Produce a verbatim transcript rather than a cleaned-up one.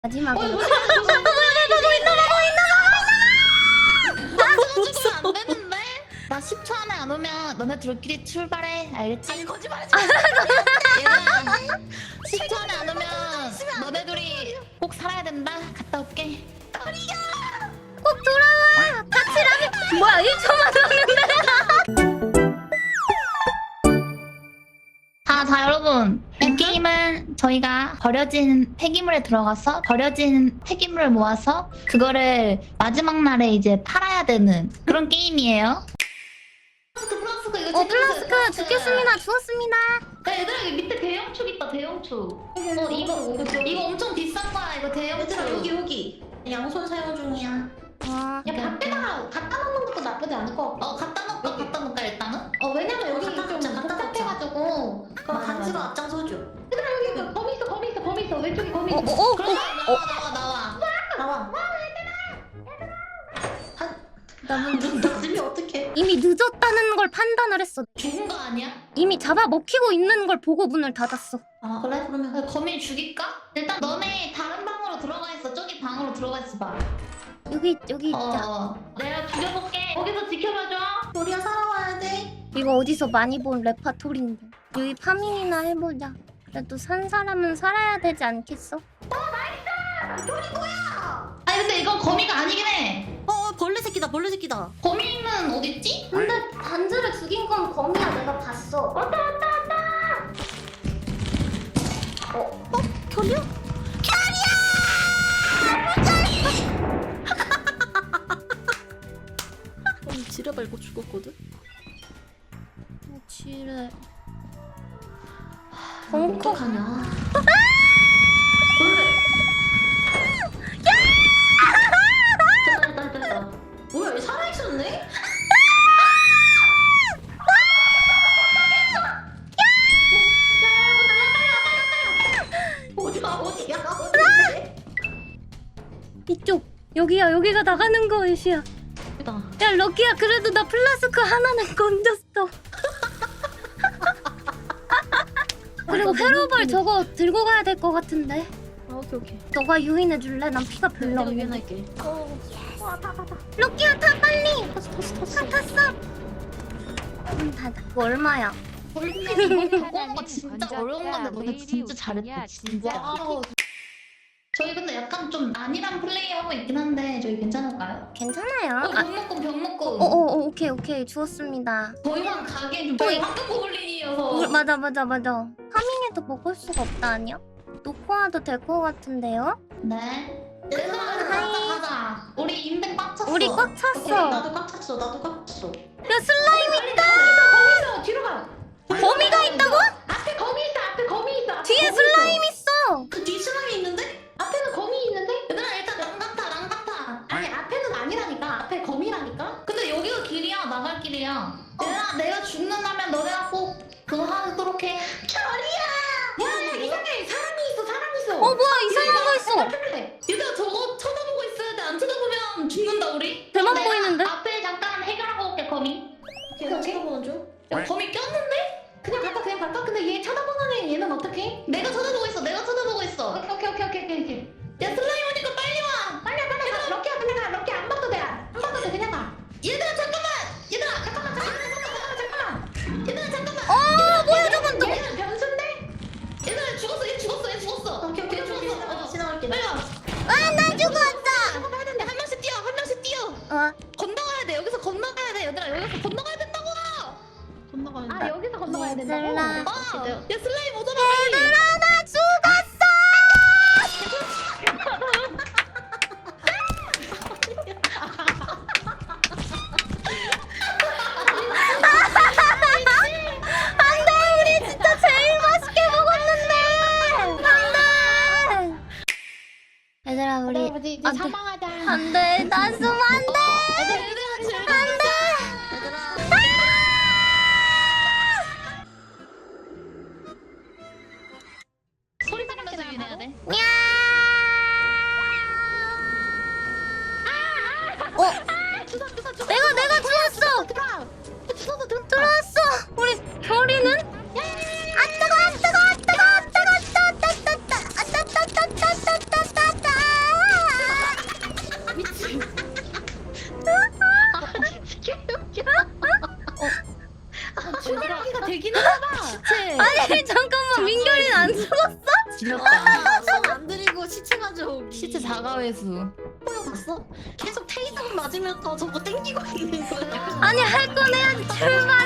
마지막으로. 어, 뭐야, 뭐야, 뭐야, 뭐야, 보고 있나 보고 있나 나 저거 죽으면 안 되는데? 나 십 초 안에 안 오면 너네들끼리 출발해. 알겠지? 아니 거짓말하지 마. 얘들아, 십 초 안에 안 오면 너네들이 꼭 살아야 된다. 갔다 올게. 꼭 돌아와. 같이 라면. 뭐야 일 초만 왔는데. 자, 자 여러분. 이 게임은 저희가 버려진 폐기물에 들어가서 버려진 폐기물을 모아서 그거를 마지막 날에 이제 팔아야 되는 그런 게임이에요. 플라스크 이거 어 플라스크 죽겠습니다. 죽었습니다. 야 얘들아 여기 밑에 대형축 있다 대형축. 어 이거 이거 엄청 비싼 거야 이거 대형축. 얘들아 여기 여기 양손 사용 중이야. 아, 야 밖에다가 갖다 놓는 것도 나쁘지 않을 것 같아. 어 갖다 놓을까 갖다 놓을까 일단은. 어 왜냐면 여기 갖다 좀 놓자, 갖다 복잡해가지고 그럼 맞아, 간지로 맞아. 앞장서줘. 얘들아 여기 이거 범위 있어 범위 있어 범위 있어 왼쪽에 범위 어, 있어. 어, 어, 그럼 어, 나와 나와 나와. 나와. 나는 나중에 어떡해? 이미 늦었다는 걸 판단을 했어. 죽은 거 아니야? 이미 잡아 먹히고 있는 걸 보고 문을 닫았어. 아 그래? 그러면 아, 거미 죽일까? 일단 너네 다른 방으로 들어가 있어. 저기 방으로 들어가 있어 봐. 여기 여기 있자. 어 내가 죽여볼게. 거기서 지켜봐줘. 우리가 살아와야 돼. 이거 어디서 많이 본 레파토리인데. 여기 파밍이나 해보자. 그래도 산 사람은 살아야 되지 않겠어? 아니 근데 이건 거미가 아니긴 해. 어 벌레 새끼다 벌레 새끼다. 거미는 어딨지? 근데 단지를 죽인 건 거미야. 내가 봤어. 왔다 왔다 왔다. 어? 어? 결이야? 결이야! 지뢰 밟고 죽었거든? 지뢰. 어, 어떡하냐? 벌레. 됐다 됐다 됐다. 뭐야 얘 살아있었네? 어디야 어디야 어디야? 이쪽. 여기야. 여기가 나가는 거 애쉬야. 여기다. 야 럭키야. 그래도 나 플라스크 하나는 건졌어. 그리고 페로벌 저거 들고 가야 될 것 같은데. 아 오케이 오케이. 너가 유인해 줄래? 난 피가 별로 내가 없는데. 유연할게. 어. 럭키야 타 빨리. 탔어 탔어 타 탔어. 탔어. 문 닫아. 이거 얼마야? 벌레는 이거 바꾸는 거 진짜 어려운 건데 너네 진짜 잘했다 진짜. 와우. 저희 근데 약간 좀 안일한 플레이 하고 있긴 한데 저희 괜찮을까요? 괜찮아요. 어, 아, 병 먹고 병 먹고. 어, 어, 어, 오케이, 오케이. 주웠습니다. 저희만 가기엔 좀 어이. 저희 황금 고블린이어서. 어, 맞아, 맞아, 맞아. 파밍해도 먹을 수가 없다, 아니야? 놓고 와도 될 것 같은데요? 네. 얘들아 가자 가자. 우리 인벤 꽉 찼어. 우리 꽉 오케이, 찼어. 나도 꽉 찼어 나도 꽉 찼어. 야, 슬라임 있다! 거미있어 뒤로 가. 거미가 있다고? 앞에 거미 있어 앞에 거미 있어. 앞에 뒤에 거미 슬라임 있어. 있어! 그 뒤 슬라임이 있는데? 앞에는 거미 있는데? 얘들아 일단 랑가타 랑가타. 아니 앞에는 아니라니까. 앞에 거미라니까. 근데 여기가 길이야 나갈 길이야. 얘들아 내가 죽는다면 너네가 꼭 그거 하도록 해. 야야 이상해 사람이 있어 사람 있어. 어, 뭐야, 이상한 거 있어! 그래. 얘들아 저거 쳐다보고 있어야 돼. 안 쳐다보면 죽는다 우리. 대박 내가 보이는데? 앞에 잠깐 해결하고 올게 거미. 오케이 나 쳐다보는 중. 야, 거미 꼈는데? 그냥 갈까 그냥 갈까? 근데 얘 쳐다보는 애 얘는 어떡해? 내가 쳐다보고 있어. 내가 쳐다보고 있어. 오케이 오케이 오케이 오케이 오케이. 오케이. 야 슬라임 오니까 빨리 와. 빨리 와, 빨리 가. 럭키야 그냥 가. 럭키 안 봐도 돼. 안 봐도 돼 그냥 가. 얘들아 잠깐만. 얘들아 잠깐만 잠깐만 잠깐만 잠깐만. 얘들아 잠깐만. 어, 뭐야, 저건 또! 얘는 변수인데? 얘들아 죽었어. 얘 죽었어. 얘 죽었어. 오케이 오케이 얘 오케이. 죽었어. 어. 지나갈게. 빨리 와. 아, 나 죽었어! 야, 한 명씩 뛰어. 한 명씩 뛰어. 어, 건너가야 돼. 여기서 건너가야 돼. 얘들아 여기서 건너가야 된다고. 건너가는. 아 여기서 건너가야 된다고. 얘들아. 어. 야 슬라임 오잖아. 얘들아, 나 죽었어! 안 돼! 우리 진짜 제일 맛있게 먹었는데! 안 돼! 얘들아, 우리. 우리 이제 안 돼. 사망하자. 안 돼! 나 쓰면 안 돼! 얘들아 즐겨. 안 돼! 소리 지르면서 유인해야 돼. 어? 주사 주사 주사. 내가 내가 주웠어! 들어와. 주사도 들. 들어왔어! 우리 별이는? 아 뜨거! 아 뜨거! 아 뜨거! 아 뜨거! 따따따따! 아 따따따따따따따! 시체. 아니 잠깐만 민결이는 안 죽었어? 지렸다. 손안 들이고 시체 가져오기. 시체 자가회수. 보여봤어? 계속 테이저 맞으면서 저거 땡기고 있는 거야. 아니 할 건 해야지 출발